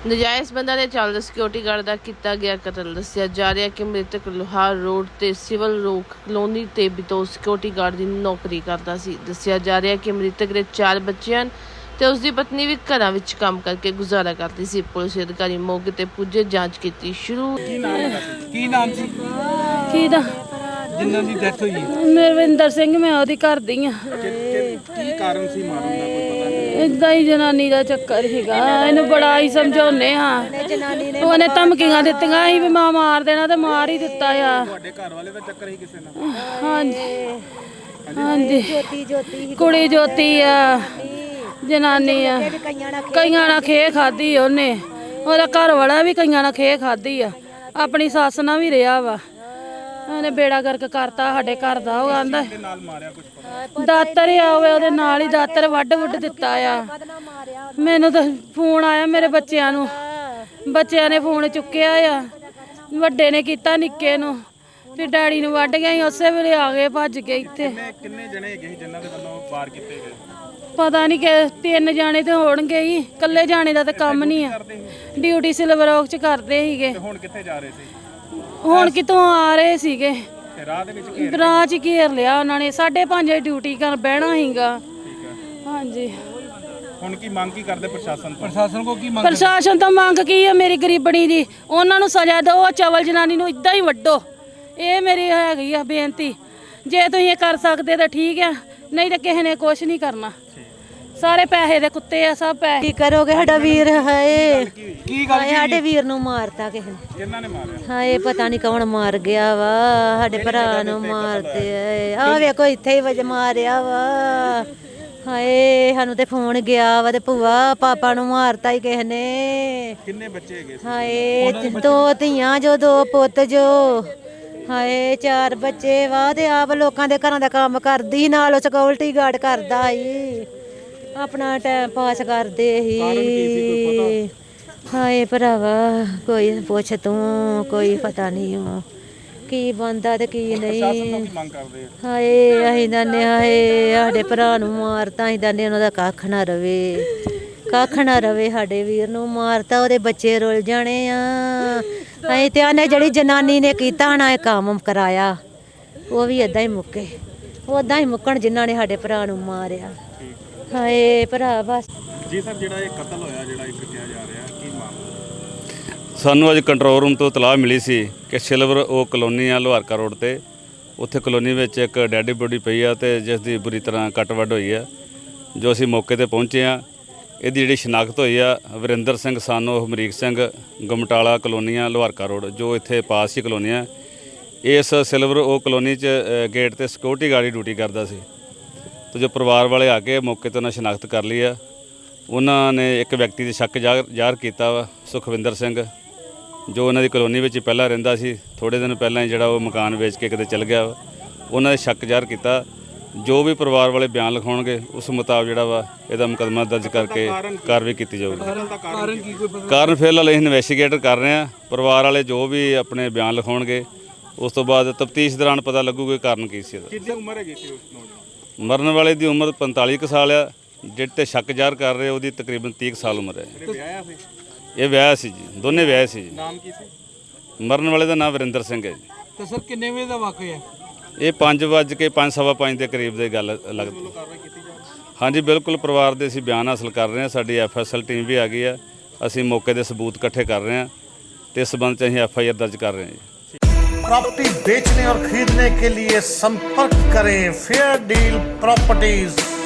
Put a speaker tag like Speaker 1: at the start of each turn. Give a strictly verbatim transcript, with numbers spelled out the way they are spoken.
Speaker 1: ਨਜਾਇਜ਼ ਬੰਦਾ ਨੇ ਚੱਲਦੇ ਸਿਕਿਉਰਿਟੀ ਗਾਰਡ ਦਾ ਕੀਤਾ ਗਿਆ ਕਤਲ। ਦੱਸਿਆ ਜਾ ਰਿਹਾ ਕਿ ਮ੍ਰਿਤਕ ਲੋਹਾਰ ਰੋਡ ਤੇ ਸਿਵਲ ਰੋਕ ਕਲੋਨੀ ਤੇ ਬਿਤੋ ਸਿਕਿਉਰਿਟੀ ਗਾਰਡ ਦੀ ਨੌਕਰੀ ਕਰਦਾ ਸੀ। ਦੱਸਿਆ ਜਾ ਰਿਹਾ ਕਿ ਮ੍ਰਿਤਕ ਦੇ ਚਾਰ ਬੱਚੇ ਹਨ ਤੇ ਉਸ ਦੀ ਪਤਨੀ ਵੀ ਘਰਾਂ ਵਿੱਚ ਕੰਮ ਕਰਕੇ ਗੁਜ਼ਾਰਾ ਕਰਦੀ ਸੀ। ਪੁਲਿਸ ਅਧਿਕਾਰੀ ਮੌਕੇ ਤੇ ਪੁੱਜੇ, ਜਾਂਚ ਕੀਤੀ ਸ਼ੁਰੂ।
Speaker 2: ਕੀ ਨਾਮ ਕੀ ਨਾਮ ਸੀ
Speaker 3: ਕੀ ਦਾ
Speaker 2: ਜਿਨ੍ਹਾਂ ਦੀ ਡੈਥ ਹੋਈ ਹੈ?
Speaker 3: ਨਰਵਿੰਦਰ ਸਿੰਘ, ਮੈਂ ਉਹਦੀ ਘਰ ਦੀ ਆ।
Speaker 2: ਕੀ ਕਾਰਨ ਸੀ ਮਾਰਨ ਦਾ, ਕੋਈ ਪਤਾ ਨਹੀਂ?
Speaker 3: ਏਦਾਂ ਹੀ ਜਨਾਨੀ ਦਾ ਚੱਕਰ ਸੀਗਾ। ਇਹਨੂੰ ਬੜਾ ਹੀ ਸਮਝਾਉਨੇ ਆ, ਉਹਨੇ ਧਮਕੀਆਂ ਦਿੱਤੀਆਂ ਸੀ ਵੀ ਮਾਂ ਮਾਰ ਦੇਣਾ ਤੇ ਮਾਰ ਹੀ ਦਿੱਤਾ ਆ।
Speaker 2: ਤੁਹਾਡੇ ਘਰ ਵਾਲੇ ਦਾ ਚੱਕਰ ਹੀ ਕਿਸੇ ਨਾਲ?
Speaker 3: ਹਾਂਜੀ ਹਾਂਜੀ, ਕੁੜੀ ਜੋਤੀ ਆ, ਜਨਾਨੀ ਆ। ਕਈਆਂ ਨਾਲ ਖੇ ਖਾਦੀ ਉਹਨੇ, ਉਹਦਾ ਘਰ ਵਾਲਾ ਵੀ ਕਈਆਂ ਨਾਲ ਖੇ ਖਾਦੀ ਆ, ਆਪਣੀ ਸੱਸ ਨਾਲ ਵੀ ਰਿਹਾ ਵਾ। ਉਹਨੇ ਬੇੜਾ ਗਰਕ ਕਰਤਾ ਸਾਡੇ ਘਰ ਦਾ। ਉਹ ਆਂਦਾ
Speaker 2: ਨਾਲ ਮਾਰਿਆ ਕੁਝ ਪਤਾ?
Speaker 3: ਦਾਤਰ ਆ ਹੋਵੇ, ਉਹਦੇ ਨਾਲ ਹੀ ਦਾਤਰ ਵੱਢ ਵੁੱਢ ਦਿੱਤਾ ਆ। ਮੈਨੂੰ ਤਾਂ ਫੋਨ ਆਇਆ ਮੇਰੇ ਬੱਚਿਆਂ ਨੂੰ, ਬੱਚਿਆਂ ਨੇ ਫੋਨ ਚੁੱਕਿਆ ਆ, ਵੱਡੇ ਨੇ ਕੀਤਾ ਨਿੱਕੇ ਨੂੰ, ਫਿਰ ਡੈਡੀ ਨੂੰ ਵੱਢ ਗਿਆ। ਉਸੇ ਵੇਲੇ ਆ ਗਏ ਭੱਜ ਕੇ ਇੱਥੇ।
Speaker 2: ਕਿੰਨੇ ਜਣੇ ਹੈਗੇ ਸੀ ਜਿਨ੍ਹਾਂ ਦੇ ਵੱਲੋਂ ਵਾਰ ਕੀਤੇ ਗਏ?
Speaker 3: ਪਤਾ ਨਹੀਂ ਕਿ ਤਿੰਨ ਜਾਣੇ ਤੇ ਹੋਣਗੇ ਹੀ, ਇਕੱਲੇ ਜਾਣੇ ਦਾ ਤਾਂ ਕੰਮ ਨਹੀਂ ਆ। ਡਿਊਟੀ ਸਿਲਵਰ ਔਕ ਚ ਕਰਦੇ ਸੀਗੇ।
Speaker 2: ਹੁਣ ਕਿੱਥੇ ਜਾ ਰਹੇ ਸੀ?
Speaker 3: ਹੁਣ ਕਿਤੋਂ ਆ ਰਹੇ ਸੀਗੇ,
Speaker 2: ਰਾਹ ਦੇ ਵਿੱਚ
Speaker 3: ਰਾਹ ਚ ਘੇਰ ਲਿਆ ਉਹਨਾਂ ਨੇ। ਸਾਢੇ ਪੰਜ ਵਜੇ ਡਿਊਟੀ ਕਰ ਬਹਿਣਾ ਸੀਗਾ।
Speaker 2: ਠੀਕ ਹੈ।
Speaker 3: ਹਾਂਜੀ,
Speaker 2: ਹੁਣ ਕੀ ਮੰਗ ਕੀ ਕਰਦੇ ਪ੍ਰਸ਼ਾਸਨ ਤੋਂ? ਪ੍ਰਸ਼ਾਸਨ ਕੋ ਕੀ ਮੰਗ?
Speaker 3: ਪ੍ਰਸ਼ਾਸਨ ਤੋਂ ਮੰਗ ਕੀ ਹੈ? ਮੇਰੀ ਗਰੀਬਣੀ ਦੀ ਉਹਨਾਂ ਨੂੰ ਸਜ਼ਾ ਦਿਓ, ਚਵਲ ਜਨਾਨੀ ਨੂੰ ਇਦਾਂ ਹੀ ਵੱਢੋ। ਇਹ ਮੇਰੀ ਹੈਗੀ ਆ ਬੇਨਤੀ। ਜੇ ਤੁਸੀਂ ਇਹ ਕਰ ਸਕਦੇ ਤਾਂ ਠੀਕ ਆ, ਨਹੀਂ ਤਾਂ ਕਿਸੇ ਨੇ ਕੁਛ ਨਹੀਂ ਕਰਨਾ। ਸਾਰੇ ਪੈਸੇ ਦੇ ਕੁੱਤੇ ਆ, ਸਭ ਪੈਸੇ।
Speaker 4: ਕੀ ਕਰੋਗੇ? ਸਾਡਾ ਵੀਰ ਹਾਏ,
Speaker 2: ਕੀ ਗੱਲ
Speaker 4: ਹਾਏ ਸਾਡੇ ਵੀਰ ਨੂੰ ਮਾਰਤਾ ਕਿਸੇ ਨੇ।
Speaker 2: ਕਿਹਨਾਂ ਨੇ ਮਾਰਿਆ?
Speaker 4: ਹਾਏ ਪਤਾ ਨਹੀਂ ਕੌਣ ਮਾਰ ਗਿਆ ਵਾ, ਸਾਡੇ ਭਰਾ ਨੂੰ ਮਾਰਦੇ ਆਏ। ਆ ਵੇਖੋ ਇੱਥੇ ਹੀ ਵਜ ਮਾਰਿਆ ਵਾ। ਹਾਏ ਸਾਨੂੰ ਤੇ ਫੋਨ ਗਿਆ ਵਾ ਤੇ ਭੂਆ ਪਾਪਾ ਨੂੰ ਮਾਰਤਾ ਹੀ ਕਿਸੇ ਨੇ।
Speaker 2: ਕਿੰਨੇ ਬੱਚੇ ਹੈਗੇ ਸੀ?
Speaker 4: ਹਾਏ ਦੋ ਧੀਆਂ ਜੋ, ਦੋ ਪੁੱਤ ਜੋ। ਹਾਏ ਚਾਰ ਬੱਚੇ ਵਾ ਤੇ ਆਪ ਲੋਕਾਂ ਦੇ ਘਰਾਂ ਦਾ ਕੰਮ ਕਰਦੀ, ਨਾਲ ਉਹ ਸਿਕਿਉਰਿਟੀ ਗਾਰਡ ਕਰਦਾ ਸੀ, ਆਪਣਾ ਟਾਈਮ ਪਾਸ ਕਰਦੇ ਸੀ। ਹਾਏ ਭਰਾਵਾ ਕੋਈ ਪੁੱਛ ਤੂੰ, ਕੋਈ ਪਤਾ ਨਹੀਂ ਉਹ ਕੀ ਬੰਦਾ ਤੇ ਕੀ ਨਹੀਂ।
Speaker 2: ਮੰਗ ਕਰਦੇ ਆ?
Speaker 4: ਹਾਏ ਅਸੀਂ ਦੰਨੇ, ਹਾਏ ਸਾਡੇ ਭਰਾ ਨੂੰ ਮਾਰਤਾ, ਅਸੀਂ ਦੰਨੇ ਉਹਨਾਂ ਦਾ ਕੱਖ ਨਾ ਰਵੇ, ਕੱਖ ਨਾ ਰਵੇ। ਸਾਡੇ ਵੀਰ ਨੂੰ ਮਾਰਤਾ, ਉਹਦੇ ਬੱਚੇ ਰੁੱਲ ਜਾਣੇ ਆ। ਅਸੀਂ ਤੇ ਆਨੇ ਜਿਹੜੀ ਜਨਾਨੀ ਨੇ ਕੀਤਾ ਨਾ ਇਹ ਕੰਮ ਕਰਾਇਆ, ਉਹ ਵੀ ਏਦਾਂ ਹੀ ਮੁੱਕੇ, ਉਦਾਂ ਹੀ ਮੁੱਕਣ ਜਿਨ੍ਹਾਂ ਨੇ ਸਾਡੇ ਭਰਾ ਨੂੰ ਮਾਰਿਆ। ਹਾਏ ਭਰਾ ਬਸ।
Speaker 2: ਜੀ ਸਰ, ਜਿਹੜਾ ਇਹ ਕਤਲ ਹੋਇਆ, ਜਿਹੜਾ ਇੱਕ ਕਿਹਾ ਜਾ ਰਿਹਾ, ਕੀ ਮਾਮਲਾ?
Speaker 5: ਸਾਨੂੰ ਅੱਜ ਕੰਟਰੋਲ ਰੂਮ ਤੋਂ ਇਤਲਾਹ ਮਿਲੀ ਸੀ ਕਿ ਸਿਲਵਰ ਉਹ ਕਲੋਨੀ ਆ ਲੋਹਾਰਕਾ ਰੋਡ ਤੇ, ਉੱਥੇ ਕਲੋਨੀ ਵਿੱਚ ਇੱਕ ਡੈਡੀ ਬੋਡੀ ਪਈ ਆ ਤੇ ਜਿਸ ਦੀ ਬੁਰੀ ਤਰ੍ਹਾਂ ਕੱਟ ਵੱਢ ਹੋਈ ਆ। ਜੋ ਅਸੀਂ ਮੌਕੇ ਤੇ ਪਹੁੰਚੇ ਆ, ਇਹਦੀ ਜਿਹੜੀ ਸ਼ਨਾਖਤ ਹੋਈ ਆ ਵਰਿੰਦਰ ਸਿੰਘ ਸਾਨੋ ਹਮਰੀਕ ਸਿੰਘ, ਗਮਟਾਲਾ ਕਲੋਨੀਆਂ ਲੋਹਾਰਕਾ ਰੋਡ, ਜੋ ਇੱਥੇ ਪਾਸ ਹੀ ਕਲੋਨੀ ਆ। ਇਸ ਸਿਲਵਰ ਉਹ ਕਲੋਨੀ 'ਚ ਗੇਟ ਤੇ ਸਿਕਿਉਰਿਟੀ ਗਾਰਡ ਦੀ ਡਿਊਟੀ ਕਰਦਾ ਸੀ। ਤੇ ਜੋ ਪਰਿਵਾਰ ਵਾਲੇ ਆ ਕੇ ਮੌਕੇ 'ਤੇ ਉਹਨਾਂ ਸ਼ਨਾਖਤ ਕਰ ਲਈ ਆ। ਉਹਨਾਂ ਨੇ ਇੱਕ ਵਿਅਕਤੀ ਦੇ ਸ਼ੱਕ ਜ਼ਾਹਰ ਕੀਤਾ ਵਾ, ਸੁਖਵਿੰਦਰ ਸਿੰਘ, ਜੋ ਉਹਨਾਂ ਦੀ ਕਲੋਨੀ ਵਿੱਚ ਪਹਿਲਾਂ ਰਹਿੰਦਾ ਸੀ। ਥੋੜ੍ਹੇ ਦਿਨ ਪਹਿਲਾਂ ਹੀ ਜਿਹੜਾ ਉਹ ਮਕਾਨ ਵੇਚ ਕੇ ਕਿਤੇ ਚਲ ਗਿਆ ਵਾ। ਉਹਨਾਂ ਦੇ ਸ਼ੱਕ ਜ਼ਾਹਰ ਕੀਤਾ। ਜੋ ਵੀ ਪਰਿਵਾਰ ਵਾਲੇ ਬਿਆਨ ਲਿਖਾਉਣਗੇ ਉਸ ਮੁਤਾਬਕ ਜਿਹੜਾ ਵਾ ਇਹਦਾ ਮੁਕੱਦਮਾ ਦਰਜ ਕਰਕੇ ਕਾਰਵਾਈ ਕੀਤੀ ਜਾਊਗੀ। ਕਾਰਨ ਫਿਲਹਾਲ ਅਸੀਂ ਇਨਵੈਸਟੀਗੇਟ ਕਰ ਰਹੇ ਹਾਂ। ਪਰਿਵਾਰ ਵਾਲੇ ਜੋ ਵੀ ਆਪਣੇ ਬਿਆਨ ਲਿਖਾਉਣਗੇ ਉਸ ਤੋਂ ਬਾਅਦ ਤਫਤੀਸ਼ ਦੌਰਾਨ ਪਤਾ ਲੱਗੂਗਾ ਕਾਰਨ ਕੀ ਸੀ ਇਹਦਾ।
Speaker 2: ਕਿੰਨੀ ਉਮਰ ਹੈਗੀ ਸੀ ਉਸ ਨੌਜਵਾਨ?
Speaker 5: ਮਰਨ ਵਾਲੇ ਦੀ ਉਮਰ ਪੰਤਾਲੀ ਕੁ ਸਾਲ ਆ, ਜਿਹੜੇ ਤੇ ਸ਼ੱਕ ਜ਼ਾਹਰ ਕਰ ਰਹੇ ਉਹਦੀ ਤਕਰੀਬਨ ਤੀਹ ਕੁ ਸਾਲ ਉਮਰ ਹੈ।
Speaker 2: ਵਿਆਹਿਆ ਸੀ?
Speaker 5: ਇਹ ਵਿਆਹ ਸੀ ਜੀ, ਦੋਨੇ ਵਿਆਹ ਸੀ ਜੀ।
Speaker 2: ਨਾਮ ਕੀ ਸੀ?
Speaker 5: ਮਰਨ ਵਾਲੇ ਦਾ ਨਾਮ ਵਰਿੰਦਰ ਸਿੰਘ ਹੈ ਜੀ।
Speaker 2: ਤੇ ਸਰ ਕਿੰਨੇ ਵਜੇ ਦਾ ਵਾਕਿਆ ਹੈ?
Speaker 5: ਇਹ ਪੰਜ ਵੱਜ ਕੇ ਪੰਜ ਸਵਾ ਪੰਜ ਦੇ ਕਰੀਬ ਦੀ ਗੱਲ ਲੱਗਦੀ। ਹਾਂਜੀ ਬਿਲਕੁਲ, ਪਰਿਵਾਰ ਦੇ ਅਸੀਂ ਬਿਆਨ ਹਾਸਲ ਕਰ ਰਹੇ ਹਾਂ। ਸਾਡੀ ਐਫ ਐਸ ਐਲ ਟੀਮ ਵੀ ਆ ਗਈ ਆ। ਅਸੀਂ ਮੌਕੇ ਦੇ ਸਬੂਤ ਇਕੱਠੇ ਕਰ ਰਹੇ ਹਾਂ ਤੇ ਇਸ ਸੰਬੰਧ 'ਚ ਅਸੀਂ ਐਫ ਆਈ ਆਰ ਦਰਜ ਕਰ ਰਹੇ ਹਾਂ ਜੀ।
Speaker 6: प्रॉपर्टी बेचने और खरीदने के लिए संपर्क करें फेयर डील प्रॉपर्टीज।